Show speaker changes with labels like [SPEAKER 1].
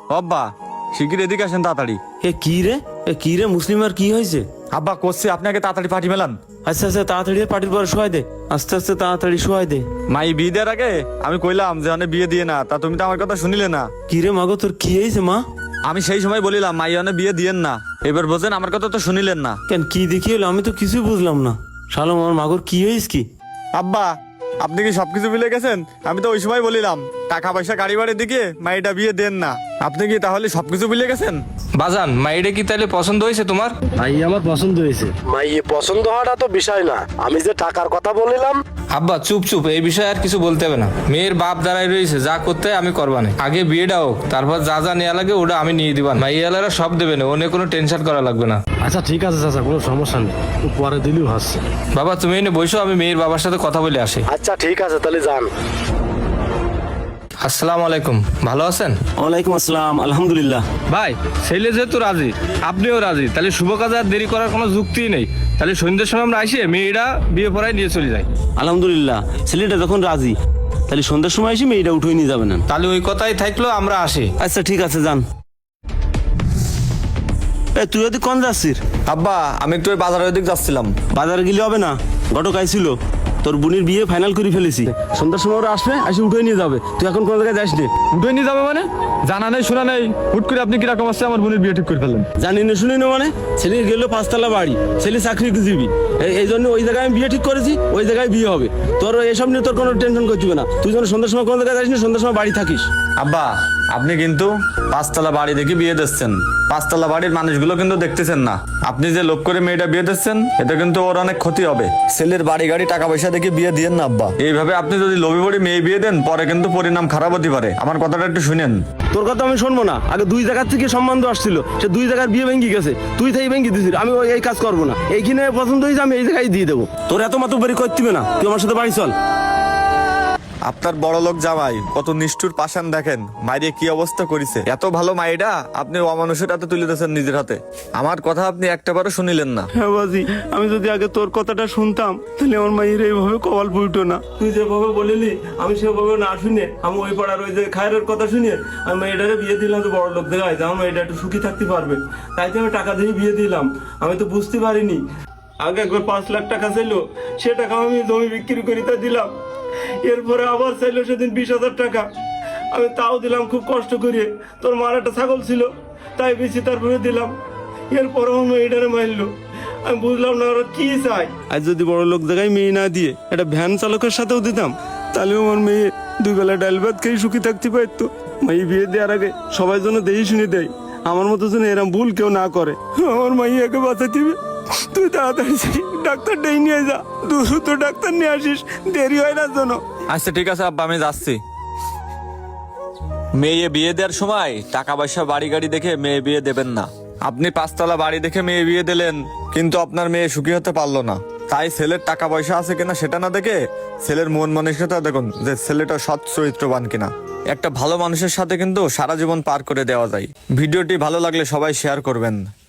[SPEAKER 1] আব্বা শিগগির এদিকে আসেন তাড়াতাড়ি।
[SPEAKER 2] কি রে মুসলিম আর কি হয়েছে?
[SPEAKER 1] আব্বা করছি আপনাকে তাড়াতাড়ি পাঠিয়ে মেলান।
[SPEAKER 2] আচ্ছা আচ্ছা তাড়াতাড়ি পার্টির পরে শোয়াই দে, আস্তে আস্তে তাড়াতাড়ি শোয়াই দে।
[SPEAKER 1] মাই বিয়ে দেওয়ার আগে আমি কইলাম যে অনেক বিয়ে দিয়ে না, তা তুমি তো আমার কথা শুনিলে না।
[SPEAKER 2] কি রে মাগো তোর কি হয়েছে মা?
[SPEAKER 1] আমি সেই সময় বলিলাম মাই অনেক বিয়ে দিয়েন না, এবার বোঝেন আমার কথা তো শুনিলেন না।
[SPEAKER 2] কেন কি দেখি হলো আমি তো কিছুই বুঝলাম না। শালো আমার মাগোর কি হয়েছে কি?
[SPEAKER 1] আব্বা আপনি কি সবকিছু ভুলে গেছেন? আমি তো ওই সময় বলিলাম টাকা পয়সা গাড়ি বাড়ির দিকে মাইটা বিয়ে দেন না, আপনি কি তাহলে সবকিছু ভুলে গেছেন?
[SPEAKER 3] বাজান মাইডে কি তাহলে পছন্দ হয়েছে তোমার?
[SPEAKER 4] ভাই আমার পছন্দ হয়েছে। মাইয়ে পছন্দ হওয়াটা তো বিষয় না, আমি যে টাকার কথা বলিলাম।
[SPEAKER 3] আব্বা চুপ চুপ, এই বিষয়ে আর কিছু বলতে হবে না। মেয়ের বাপ দাঁড়াই রয়েছে, যা করতে হয় আমি করবানে। আগে বিয়েটা হোক, তারপর যা যা নেওয়া লাগে ওটা আমি নিয়ে দিবান। মাইয়ালারা সব দেবে না, ওনে কোনো টেনশন করা লাগবে না।
[SPEAKER 4] আচ্ছা ঠিক আছে চাচা, কোনো সমস্যা নেই, পরে দিলেও হাসছে।
[SPEAKER 3] বাবা তুমি এনে বসো, আমি মেয়ের বাবার সাথে কথা বলে আসি।
[SPEAKER 4] আচ্ছা ঠিক আছে তাহলে যান।
[SPEAKER 3] আসসালামু আলাইকুম, ভালো আছেন?
[SPEAKER 2] ওয়ালাইকুম আসসালাম, আলহামদুলিল্লাহ।
[SPEAKER 3] ভাই ছেলে যেহেতু রাজি, আপনিও রাজি, তাহলে শুভ কাজে আর দেরি করার কোনো যুক্তিই নেই। তাহলে সন্ধ্যের সময় আমরা আসি, মেয়েরা বিয়ে পড়ায় নিয়ে চলে যাই।
[SPEAKER 2] আলহামদুলিল্লাহ, ছেলেটা যখন রাজি তাহলে সন্ধ্যার সময় এসে মেয়েটা উঠে নিয়ে যাবে না।
[SPEAKER 3] তাহলে ওই কথাই থাকলো, আমরা আসি।
[SPEAKER 2] আচ্ছা ঠিক আছে যান। তুই যদি কোন যাচ্ছিস?
[SPEAKER 1] আব্বা আমি একটু ওই বাজারের দিক যাচ্ছিলাম।
[SPEAKER 2] বাজারে গেলে হবে না, ঘটক আইছিল, তোর বোনের বিয়ে ফাইনাল করে ফেলেছি। সন্ধ্যার সময় ওরা আসবে, এসে উঠে নিয়ে যাবে। তুই এখন কোন জায়গায় যাস নে?
[SPEAKER 1] উঠে নিয়ে যাবে মানে? জানা নেই শোনা নেই, হুট করে আপনি কিরকম আসছে আমার বোনের বিয়ে ঠিক করে ফেললেন?
[SPEAKER 2] জানি না শুনি না মানে? ছেলে গেল 5 তলা বাড়ি, ছেলে চাকরিজীবী, এই জন্য ওই জায়গায় আমি বিয়ে ঠিক করেছি, ওই জায়গায় বিয়ে হবে। তোর এসব নিয়ে তোর কোনো টেনশন করছি না। তুই যেন সন্ধ্যার সময় কোন জায়গায় যাস না, সন্ধ্যার সময় বাড়ি থাকিস।
[SPEAKER 1] আব্বা আপনি কিন্তু 5 তলা বাড়ি দেখে বিয়ে দিচ্ছেন, 5 তলা বাড়ির মানুষগুলো কিন্তু দেখতেছেন না। আপনি যে লোভ করে মেয়েটা বিয়ে দিচ্ছেন, এটা কিন্তু ওর অনেক ক্ষতি হবে। ছেলের বাড়ি গাড়ি টাকা পয়সা দেখে বিয়ে দিয়েন না আব্বা। এইভাবে আপনি যদি লোভে পড়ে মেয়ে বিয়ে দেন, পরে কিন্তু পরিণাম খারাপ হতে পারে। আমার কথাটা একটু শুনেন।
[SPEAKER 2] তোর কথা আমি শুনবো না। আগে 2 জায়গার থেকে সম্বন্ধ আসছিল, সে 2 জায়গার বিয়ে ভেঙে গেছে, তুই থেকে ভেঙে দিছিস। আমি এই কাজ করবো না, এইখানে পছন্দ হয়েছে আমি এই জায়গায় দিয়ে দেবো। তোর এত মাত্র বাড়ি করতে হবে না, তুই আমার সাথে বাড়ি চল।
[SPEAKER 1] আপনার বড় লোক জামাই কত নিষ্ঠুর পাষাণ দেখেন, মায়ের কি অবস্থা করেছে। এত ভালো মায়েরা আপনি অমানুষের হাতে তুলে দিয়েছেন নিজের হাতে। আমার কথা আপনি একটাবারও শুনিলেন না।
[SPEAKER 2] হ্যাঁ বাজি, আমি যদি আগে তোর কথাটা শুনতাম তাহলে আমার মায়ের এইভাবে কপাল পুইতো না। তুই যেভাবে বলিলি আমি সেভাবে না শুনে, আমি ওই পাড়ার ওই যে খায়ের কথা শুনে আমি মেয়েটারে বিয়ে দিলাম। তো বড় লোক দেখায় যে আমার মেয়েটা একটু সুখী থাকতে পারবে, তাই তো আমি টাকা দিয়ে বিয়ে দিলাম। আমি তো বুঝতে পারিনি। আগে একবার 5 লাখ টাকা ছিল, সে টাকা আমি জমি বিক্রি করে তা দিলাম। এরপরে আবার চাইলো সেদিন 20,000 টাকা, আমি তাও দিলাম খুব কষ্ট করে। তোর মার একটা ছাগল ছিল, তাই বেশি তারপরে দিলাম। এরপরে আমার মেয়েটারে মারলো। আমি বুঝলাম না ওরা কি চাই। আজ যদি বড় লোক জায়গায় মেয়ে না দিয়ে একটা ভ্যান চালকের সাথেও দিতাম, তাহলে আমার মেয়ে 2 বেলা ডাল ভাত খেয়ে সুখী থাকতে পারতো। মেয়ে বিয়ে দেওয়ার আগে সবাই যেন দেই শুনে দেয়, আমার মতো যেন এরম ভুল কেউ না করে। আমার মাইয়াকে বাঁচাতে হবে। তুই তাড়াতাড়ি ডাক্তার ডেকে নিয়ে যা, দ্রুত ডাক্তার নিয়ে আসিস, দেরি হয় না যেন।
[SPEAKER 1] আচ্ছা ঠিক আছে আব্বা, আমি যাচ্ছি। মেয়ে বিয়ে দেওয়ার সময় টাকা পয়সা বাড়ি গাড়ি দেখে মেয়ে বিয়ে দেবেন না। আপনি 5 তলা বাড়ি দেখে মেয়ে বিয়ে দিলেন, কিন্তু আপনার মেয়ে সুখী হতে পারলো না। তাই ছেলের টাকা পয়সা আছে কিনা সেটা না দেখে ছেলের মন মানসিকতা দেখুন, যে ছেলেটা সৎ চরিত্রবান কিনা। একটা ভালো মানুষের সাথে কিন্তু সারা জীবন পার করে দেওয়া যায়। ভিডিওটি ভালো লাগলে সবাই শেয়ার করবেন।